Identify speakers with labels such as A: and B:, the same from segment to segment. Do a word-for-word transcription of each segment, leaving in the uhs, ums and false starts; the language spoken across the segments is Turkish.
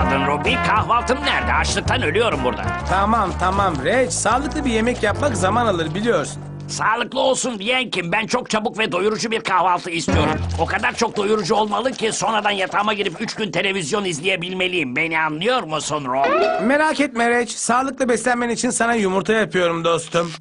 A: kaldın Ruby? Kahvaltım nerede? Açlıktan ölüyorum burada.
B: Tamam tamam Reg, sağlıklı bir yemek yapmak zaman alır biliyorsun.
A: Sağlıklı olsun diyen kim? Ben çok çabuk ve doyurucu bir kahvaltı istiyorum. O kadar çok doyurucu olmalı ki sonradan yatağıma girip üç gün televizyon izleyebilmeliyim. Beni anlıyor musun Rob?
B: Merak etme Reg, sağlıklı beslenmen için sana yumurta yapıyorum dostum.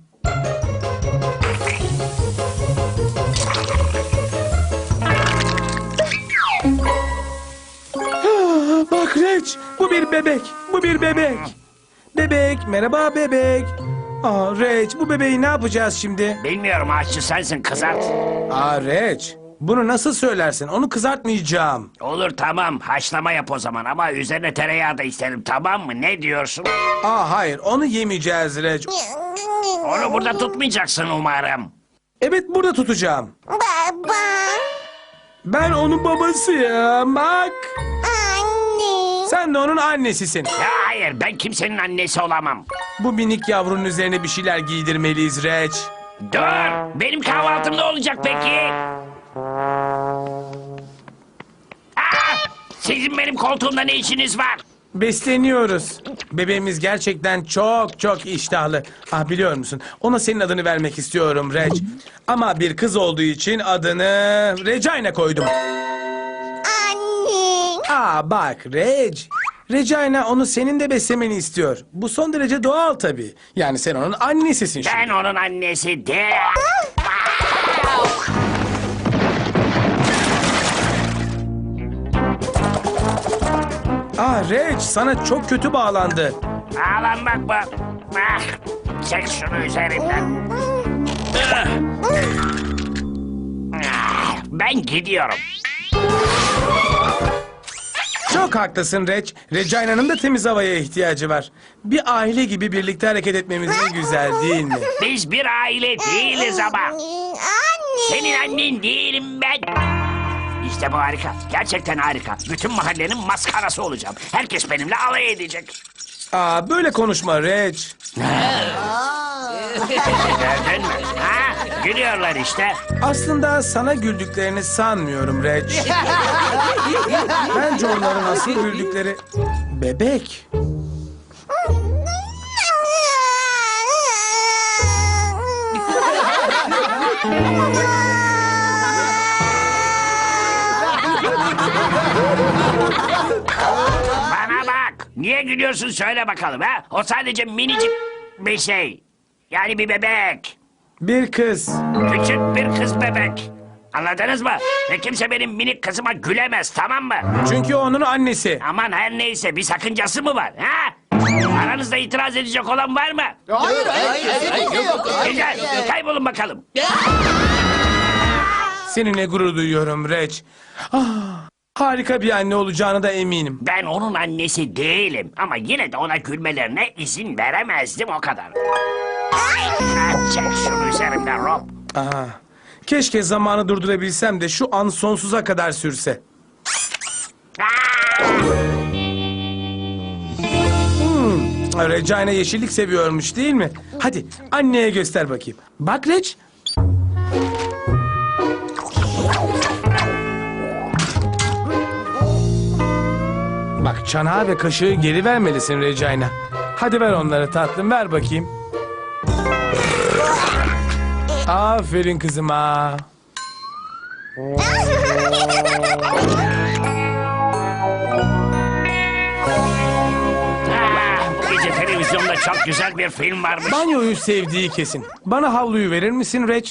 B: Bak Reg, bu bir bebek, bu bir bebek. Bebek, merhaba bebek. Aa Reg, bu bebeği ne yapacağız şimdi?
A: Bilmiyorum, aşçı sensin, kızart.
B: Aa Reg, bunu nasıl söylersin? Onu kızartmayacağım.
A: Olur tamam, haşlama yap o zaman ama üzerine tereyağı da isterim, tamam mı? Ne diyorsun?
B: Aa hayır, onu yemeyeceğiz Reg.
A: Onu burada tutmayacaksın umarım.
B: Evet, burada tutacağım.
C: Baba.
B: Ben onun babasıyım, bak.
C: Anne.
B: Sen de onun annesisin.
A: Ya hayır, ben kimsenin annesi olamam.
B: Bu minik yavrunun üzerine bir şeyler giydirmeliyiz Reg.
A: Dur, benim kahvaltım ne olacak peki? Aa, sizin benim koltuğumda ne işiniz var?
B: Besleniyoruz. Bebeğimiz gerçekten çok çok iştahlı. Ah biliyor musun? Ona senin adını vermek istiyorum Reg. Ama bir kız olduğu için adını Regina koydum.
C: Anne.
B: Aa bak Reg. Regina onu senin de beslemeni istiyor. Bu son derece doğal tabii. Yani sen onun annesisin şimdi.
A: Ben onun annesi de.
B: Aa Reg sana çok kötü bağlandı.
A: Ağlanmak mı? Ah, çek şunu üzerimden. Ah, ben gidiyorum.
B: Çok haklısın Reg. Regina'nın da temiz havaya ihtiyacı var. Bir aile gibi birlikte hareket etmemiz ne güzel değil mi?
A: Biz bir aile değiliz ama.
C: Anne.
A: Senin annen değilim ben. İşte bu harika. Gerçekten harika. Bütün mahallenin maskarası olacağım. Herkes benimle alay edecek.
B: Aa böyle konuşma Reg.
A: Gördün mü? Ha? Gülüyorlar işte.
B: Aslında sana güldüklerini sanmıyorum Reg. Bence onların asıl güldükleri bebek.
A: Bana bak. Niye gülüyorsun söyle bakalım ha? O sadece minicik bir şey. Yani bir bebek.
B: Bir kız.
A: Küçük bir kız bebek. Anladınız mı? Ve kimse benim minik kızıma gülemez, tamam mı?
B: Çünkü o onun annesi.
A: Aman her neyse, bir sakıncası mı var? Ha? Aranızda itiraz edecek olan var mı?
D: Hayır, hayır, hayır, yok.
A: Güzel, kaybolun bakalım.
B: Seninle gurur duyuyorum Reg. Ah, harika bir anne olacağına da eminim.
A: Ben onun annesi değilim ama yine de ona gülmelerine izin veremezdim, o kadar. Ha, çek şunu üzerimden Rob.
B: Aa, keşke zamanı durdurabilsem de şu an sonsuza kadar sürse.
A: Aa!
B: Hmm, Regina yeşillik seviyormuş değil mi? Hadi anneye göster bakayım. Bak Reg. Bak çanağı ve kaşığı geri vermelisin Regina. Hadi ver onları tatlım, ver bakayım. Aferin kızıma.
A: Aa, bu gece televizyonda çok güzel bir film varmış.
B: Banyoyu sevdiği kesin. Bana havluyu verir misin Reg?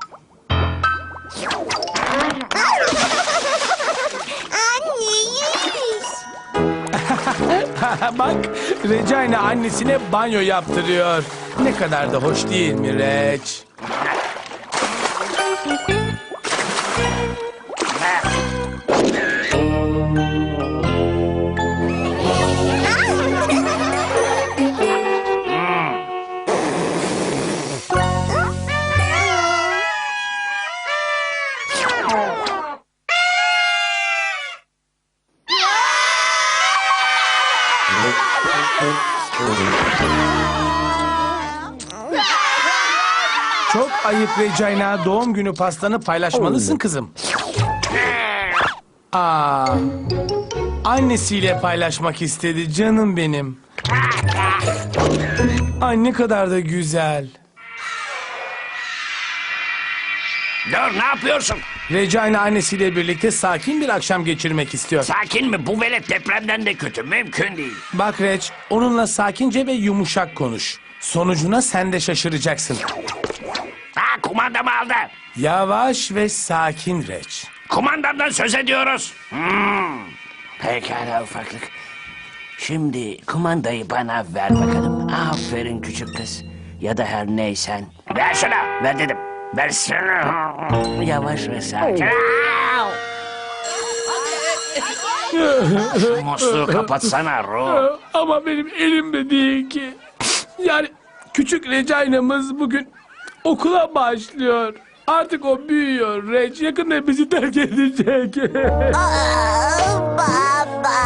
B: Bak Regina annesine banyo yaptırıyor. Ne kadar da hoş değil mi Reg? Çok ayıp Regina, doğum günü pastanı paylaşmalısın kızım. Aa, annesiyle paylaşmak istedi canım benim. Ay ne kadar da güzel.
A: Dur, ne yapıyorsun?
B: Regina annesiyle birlikte sakin bir akşam geçirmek istiyor.
A: Sakin mi? Bu velet depremden de kötü. Mümkün değil.
B: Bak Reg, onunla sakince ve yumuşak konuş. Sonucuna sen de şaşıracaksın.
A: Ha, kumandamı aldı.
B: Yavaş ve sakin Reg.
A: Kumandamdan söz ediyoruz. Hmm. Pekala ufaklık. Şimdi kumandayı bana ver bakalım. Aferin küçük kız. Ya da her neysen. Ver şunu. Ver dedim. Versene. Yavaş ve sakin. Şu musluğu kapatsana Ruh.
B: Ama benim elimde değil ki. Yani küçük Regina'mız bugün okula başlıyor. Artık o büyüyor Reg. Yakında bizi terk edecek.
C: Aa, baba.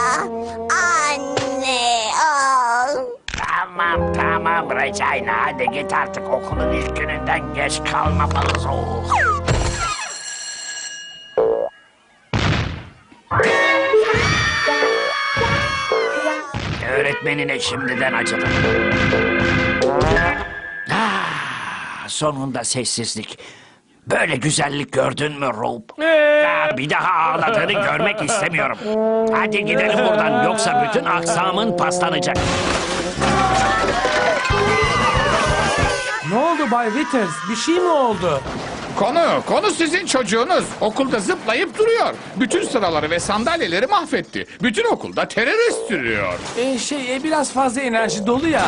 C: Anne. Aa.
A: Tamam tamam Regina. Hadi git artık, okulun ilk gününden geç kalmamalıyız. Oh. Öğretmenine şimdiden acıdım. Ah, sonunda sessizlik. Böyle güzellik gördün mü Rob? Ah, bir daha ağladığını görmek istemiyorum. Hadi gidelim buradan, yoksa bütün aksamın paslanacak.
B: Ne oldu Bay Withers? Bir şey mi oldu?
E: Konu, konu sizin çocuğunuz. Okulda zıplayıp duruyor. Bütün sıraları ve sandalyeleri mahvetti. Bütün okulda terörist sürüyor.
B: Ee, şey e, biraz fazla enerji dolu ya.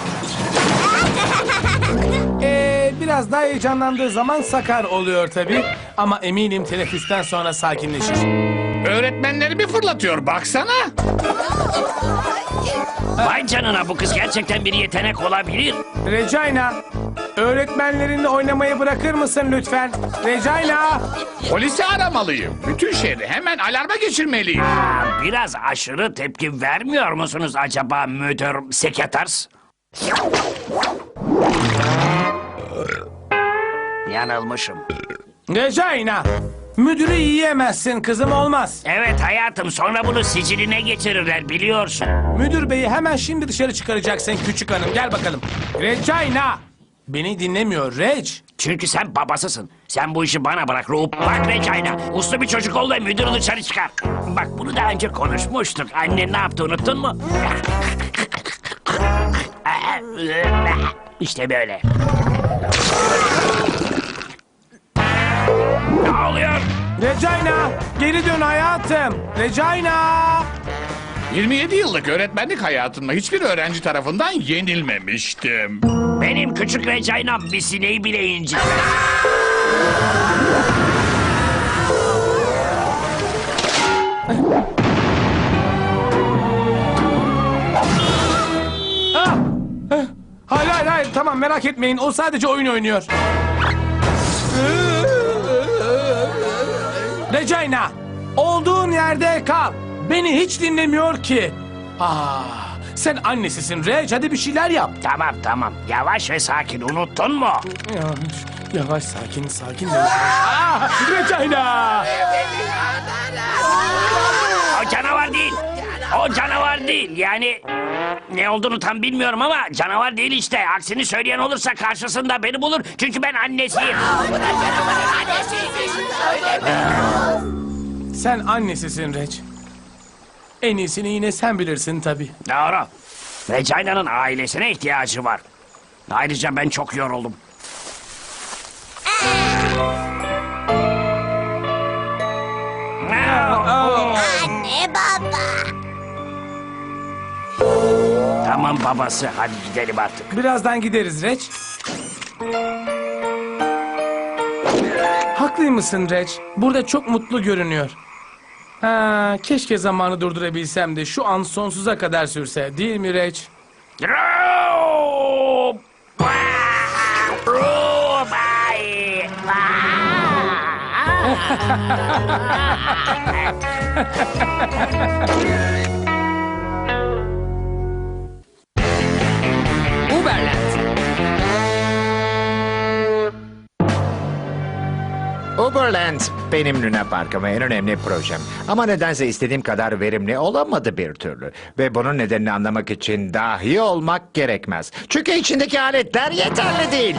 B: Ee, biraz daha heyecanlandığı zaman sakar oluyor tabii. Ama eminim teneffüsten sonra sakinleşir.
E: Öğretmenlerimi fırlatıyor, baksana.
A: Vay canına, bu kız gerçekten bir yetenek olabilir.
B: Regina, öğretmenlerinle oynamayı bırakır mısın lütfen? Regina!
E: Polisi aramalıyım. Bütün şehri hemen alarma geçirmeliyim.
A: Aa, biraz aşırı tepki vermiyor musunuz acaba müdür sekreters? Yanılmışım.
B: Regina! Müdürü yiyemezsin kızım, olmaz.
A: Evet hayatım, sonra bunu siciline geçirirler biliyorsun.
B: Müdür beyi hemen şimdi dışarı çıkaracaksın küçük hanım. Gel bakalım. Regina! Beni dinlemiyor Reg.
A: Çünkü sen babasısın. Sen bu işi bana bırak Rup. Bak Regina, uslu bir çocuk ol ve müdürü dışarı çıkar. Bak, bunu daha önce konuşmuştuk. Annen ne yaptı, unuttun mu? İşte böyle. Ne oluyor?
B: Regina! Geri dön hayatım. Regina!
E: yirmi yedi yıllık öğretmenlik hayatımda hiçbir öğrenci tarafından yenilmemiştim.
A: Benim küçük Regina'm bir sineği bile incitmez.
B: Ah! Eh, Hayır hayır hayır, tamam, merak etmeyin, o sadece oyun oynuyor. Regina, olduğun yerde kal. Beni hiç dinlemiyor ki. Ah, sen annesisin Reg, hadi bir şeyler yap.
A: Tamam tamam, yavaş ve sakin, unuttun mu?
B: Yavaş, yavaş, sakin, sakin. Ah, Regina!
A: O canavar değil. O canavar değil. Yani ne olduğunu tam bilmiyorum ama canavar değil işte. Aksini söyleyen olursa karşısında beni bulur. Çünkü ben annesiyim.
B: Sen annesisin Reg. En iyisini yine sen bilirsin tabii.
A: Doğru. Regina'nın ailesine ihtiyacı var. Ayrıca ben çok yoruldum.
C: Anne baba.
A: Tamam babası, hadi gidelim artık.
B: Birazdan gideriz Reg. Haklıymışsın Reg. Burada çok mutlu görünüyor. Ha, keşke zamanı durdurabilsem de şu an sonsuza kadar sürse. Değil mi Reg?
A: Rup! Rup! Ay!
F: Uberland. Uberland benim Luna Park'ım ve en önemli projem. Ama nedense istediğim kadar verimli olamadı bir türlü. Ve bunun nedenini anlamak için dahi olmak gerekmez. Çünkü içindeki aletler yeterli değil.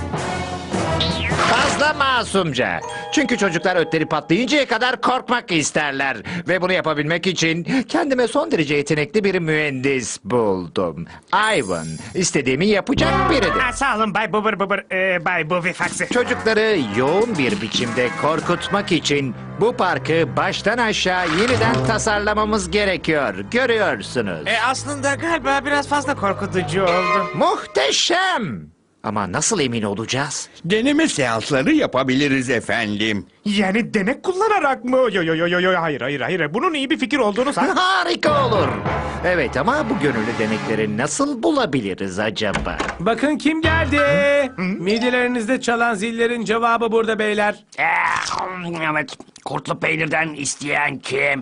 F: Fazla masumca. Çünkü çocuklar ötleri patlayıncaya kadar korkmak isterler. Ve bunu yapabilmek için kendime son derece yetenekli bir mühendis buldum. Ivan, istediğimi yapacak biridir.
G: Ha, sağ olun Bay Bubur Bubur, e, Bay Buvi Faksi.
F: Çocukları yoğun bir biçimde korkutmak için bu parkı baştan aşağı yeniden tasarlamamız gerekiyor. Görüyorsunuz.
G: E, aslında galiba biraz fazla korkutucu oldu.
F: Muhteşem! Ama nasıl emin olacağız?
D: Deneme seansları yapabiliriz efendim.
G: Yani denek kullanarak mı? Yo yo yo yo yo hayır hayır hayır. Bunun iyi bir fikir olduğunu san.
F: Harika olur. Evet ama bu gönüllü denekleri nasıl bulabiliriz acaba?
B: Bakın kim geldi. Midelerinizde çalan zillerin cevabı burada beyler.
A: Ee, evet, kurtlu peynirden isteyen kim?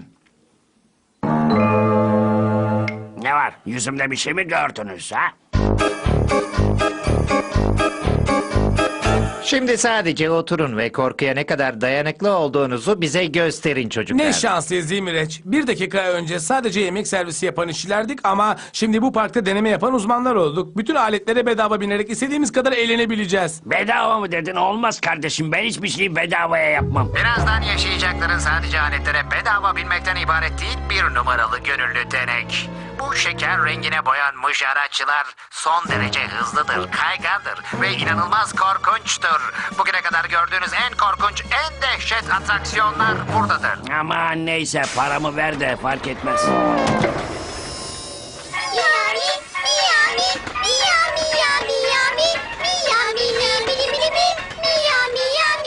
A: Ne var? Yüzümde bir şey mi gördünüz ha?
F: Şimdi sadece oturun ve korkuya ne kadar dayanıklı olduğunuzu bize gösterin çocuklar.
B: Ne şanslıyız değil mi Reç? Bir dakika önce sadece yemek servisi yapan işçilerdik ama şimdi bu parkta deneme yapan uzmanlar olduk. Bütün aletlere bedava binerek istediğimiz kadar eğlenebileceğiz.
A: Bedava mı dedin? Olmaz kardeşim. Ben hiçbir şeyi bedavaya yapmam.
F: Birazdan yaşayacakların sadece aletlere bedava binmekten ibaret değil, bir numaralı gönüllü denek. Bu şeker rengine boyanmış araçlar son derece hızlıdır, kaygandır ve inanılmaz korkunçtur. Bugüne kadar gördüğünüz en korkunç, en dehşet atraksiyonlar buradadır.
A: Aman neyse, paramı ver de fark etmez.
C: Miyami, miyami, miyami, miyami, miyami, miyami, miyami, miyami,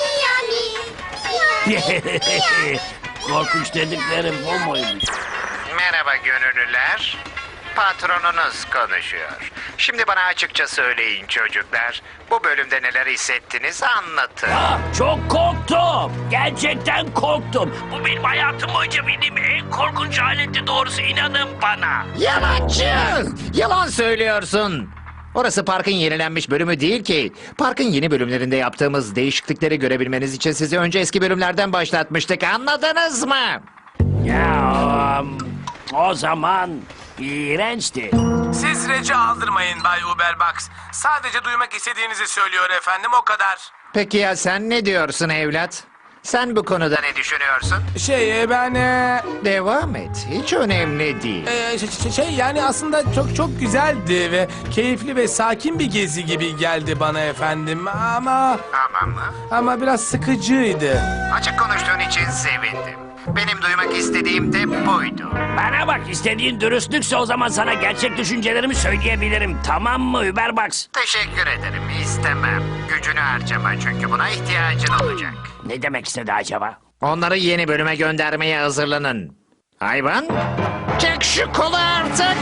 C: miyami, miyami, miyami.
A: Korkunç dediklerim bu muymuş?
F: Merhaba gönüllüler. Patronunuz konuşuyor. Şimdi bana açıkça söyleyin çocuklar. Bu bölümde neler hissettiniz anlatın.
A: Ah, çok korktum. Gerçekten korktum. Bu benim hayatım boyunca bildiğim en korkunç aletti, doğrusu inanın bana.
F: Yalancı! Yalan söylüyorsun. Orası parkın yenilenmiş bölümü değil ki. Parkın yeni bölümlerinde yaptığımız değişiklikleri görebilmeniz için sizi önce eski bölümlerden başlatmıştık. Anladınız mı?
A: Ya um, o zaman iğrençti.
B: Siz Rec'i aldırmayın Bay Uberbox. Sadece duymak istediğinizi söylüyor efendim, o kadar.
F: Peki ya sen ne diyorsun evlat? Sen bu konuda ne düşünüyorsun?
B: Şey e, ben e,
F: Devam et. Hiç önemli değil.
B: e, ş- ş- şey yani aslında çok çok güzeldi ve keyifli ve sakin bir gezi gibi geldi bana efendim ama
F: Aman mı?
B: ama biraz sıkıcıydı.
F: Açık konuştuğun için sevindim. Benim duymak istediğim de buydu.
A: Bana bak, istediğin dürüstlükse o zaman sana gerçek düşüncelerimi söyleyebilirim. Tamam mı Uberbox?
F: Teşekkür ederim. İstemem. Gücünü harcama çünkü buna ihtiyacın olacak.
A: Ne demek istedi acaba?
F: Onları yeni bölüme göndermeye hazırlanın. Hayvan, çek şu kolu artık.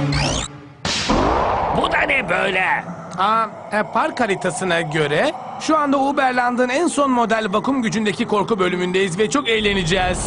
A: Bu da ne böyle?
B: Aa, e, park haritasına göre şu anda Uberland'ın en son model vakum gücündeki korku bölümündeyiz ve çok eğleneceğiz.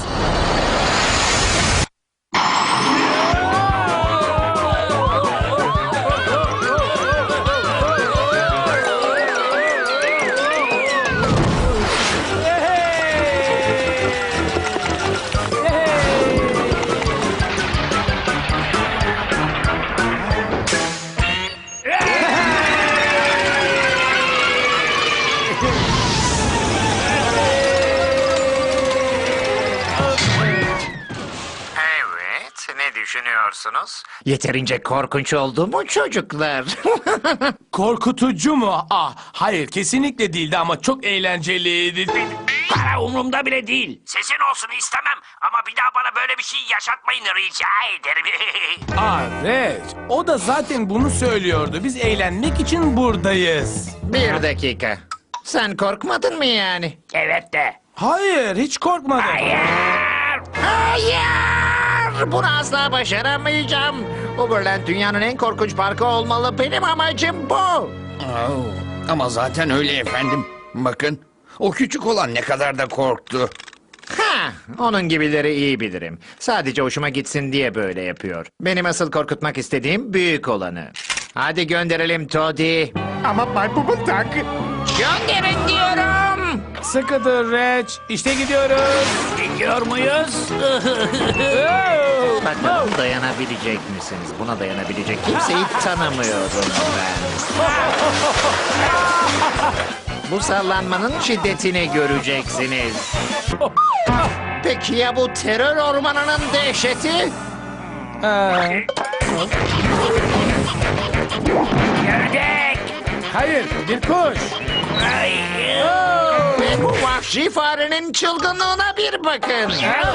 F: Evet, ne düşünüyorsunuz? Yeterince korkunç oldu mu çocuklar?
B: Korkutucu mu? Ah, hayır kesinlikle değildi ama çok eğlenceliydi.
A: Para umurumda bile değil. Sesin olsun istemem ama bir daha bana böyle bir şey yaşatmayın rica ederim.
B: Aa, Reç, o da zaten bunu söylüyordu. Biz eğlenmek için buradayız.
F: Bir dakika. Sen korkmadın mı yani?
A: Evet de.
B: Hayır, hiç korkmadım.
A: Hayır.
F: Hayır! Bunu asla başaramayacağım. Uberland dünyanın en korkunç parkı olmalı. Benim amacım bu.
D: Oo, ama zaten öyle efendim. Bakın, o küçük olan ne kadar da korktu.
F: Ha, onun gibileri iyi bilirim. Sadece hoşuma gitsin diye böyle yapıyor. Benim asıl korkutmak istediğim büyük olanı. Hadi gönderelim Toddy.
G: Ama Bay Bubur tak.
F: Gönderin diyorum.
B: Sıkı dur Reç. İşte gidiyoruz.
A: Gidiyor muyuz?
F: Bakalım dayanabilecek misiniz? Buna dayanabilecek kimseyi tanımıyorum ben. Bu sallanmanın şiddetini göreceksiniz. Peki ya bu terör ormanının dehşeti?
B: Ee,
A: Gördük.
B: hayır, bir kuş.
F: Ve bu vahşi farenin çılgınlığına bir bakın.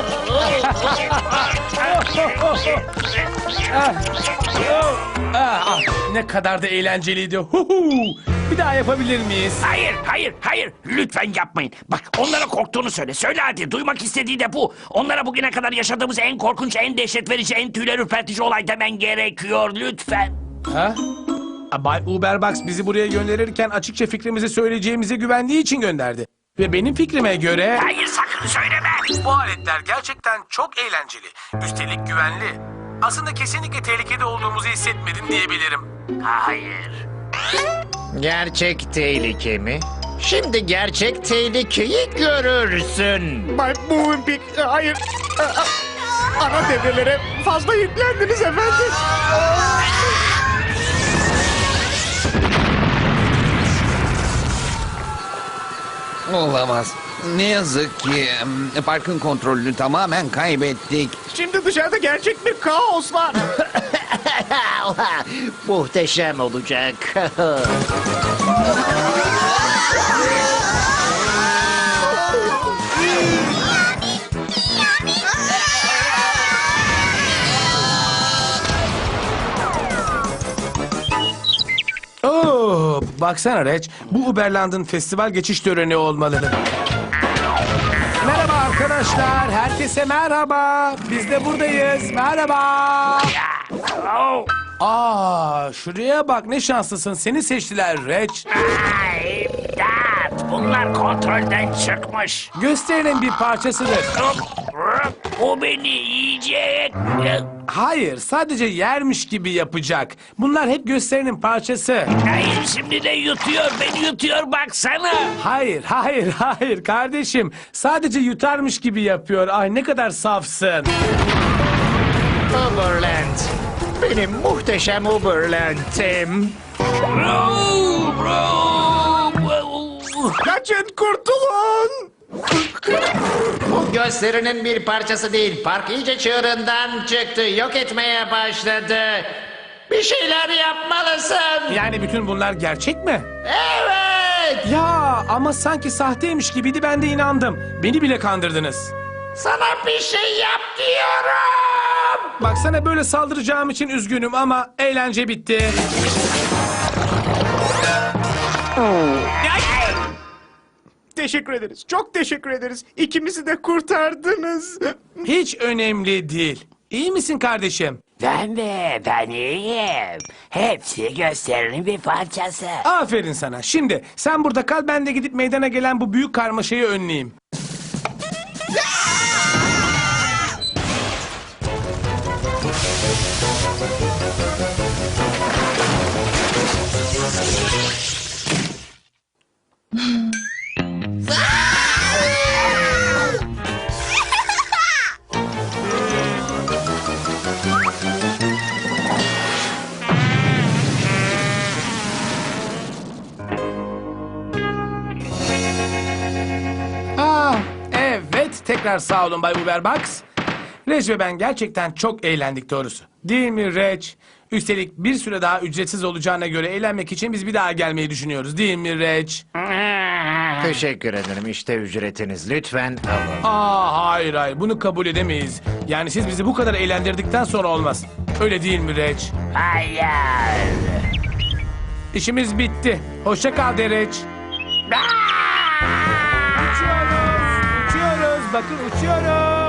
B: Ah, ah, ne kadar da eğlenceliydi. Huhu. Bir daha yapabilir miyiz?
A: Hayır, hayır, hayır. Lütfen yapmayın. Bak onlara korktuğunu söyle. Söyle hadi. Duymak istediği de bu. Onlara bugüne kadar yaşadığımız en korkunç, en dehşet verici, en tüyler ürpertici olay demen gerekiyor. Lütfen.
B: Ha? Bay Uberbox bizi buraya gönderirken açıkça fikrimizi söyleyeceğimize güvendiği için gönderdi. Ve benim fikrime göre...
A: Hayır sakın söyleme.
B: Bu aletler gerçekten çok eğlenceli. Üstelik güvenli. Aslında kesinlikle tehlikede olduğumuzu hissetmedim diyebilirim.
A: Hayır.
F: Gerçek tehlike mi? Şimdi gerçek tehlikeyi görürsün.
G: Bay Moonpig, hayır. Ana devrelere fazla yüklendiniz efendim.
D: Olamaz. Ne yazık ki em, parkın kontrolünü tamamen kaybettik.
G: Şimdi dışarıda gerçek bir kaos var.
F: Muhteşem olacak.
B: Oo, baksana Reç, bu Uberland'ın festival geçiş töreni olmalı. Merhaba arkadaşlar, herkese merhaba. Biz de buradayız, merhaba.
A: Oh.
B: Aa, şuraya bak ne şanslısın, seni seçtiler Reç.
A: Ay, imdat. Bunlar kontrolden çıkmış.
B: Gösterinin bir parçasıdır.
A: O beni yiyecek.
B: Hayır, sadece yermiş gibi yapacak. Bunlar hep gösterinin parçası.
A: Hayır şimdi de yutuyor. Beni yutuyor baksana.
B: Hayır, hayır, hayır kardeşim. Sadece yutarmış gibi yapıyor. Ay ne kadar safsın.
F: Uberland. Benim muhteşem Uberland'im.
A: Bro, bro.
G: Kaçın, kurtulun.
F: Bu gösterinin bir parçası değil. Park iyice çığırından çıktı. Yok etmeye başladı. Bir şeyler yapmalısın.
B: Yani bütün bunlar gerçek mi?
F: Evet.
B: Ya ama sanki sahteymiş gibiydi, ben de inandım. Beni bile kandırdınız.
F: Sana bir şey yap diyorum.
B: Baksana böyle saldıracağım için üzgünüm ama eğlence bitti.
G: Teşekkür ederiz. Çok teşekkür ederiz. İkimizi de kurtardınız.
B: Hiç önemli değil. İyi misin kardeşim?
A: Ben de ben iyiyim. Hepsi gösterinin bir parçası.
B: Aferin sana. Şimdi sen burada kal, ben de gidip meydana gelen bu büyük karmaşayı önleyeyim. Ah, evet. Tekrar sağ olun Bay Uberbox. Reç ve ben gerçekten çok eğlendik doğrusu. Değil mi Reç? Üstelik bir süre daha ücretsiz olacağına göre eğlenmek için biz bir daha gelmeyi düşünüyoruz. Değil mi Reç?
F: Teşekkür ederim. İşte ücretiniz. Lütfen alın.
B: Aa, hayır hayır, bunu kabul edemeyiz. Yani siz bizi bu kadar eğlendirdikten sonra olmaz. Öyle değil mi Reç?
A: Hayır.
B: İşimiz bitti. Hoşça kal de Reç. Uçuyoruz, uçuyoruz. Bakın uçuyoruz.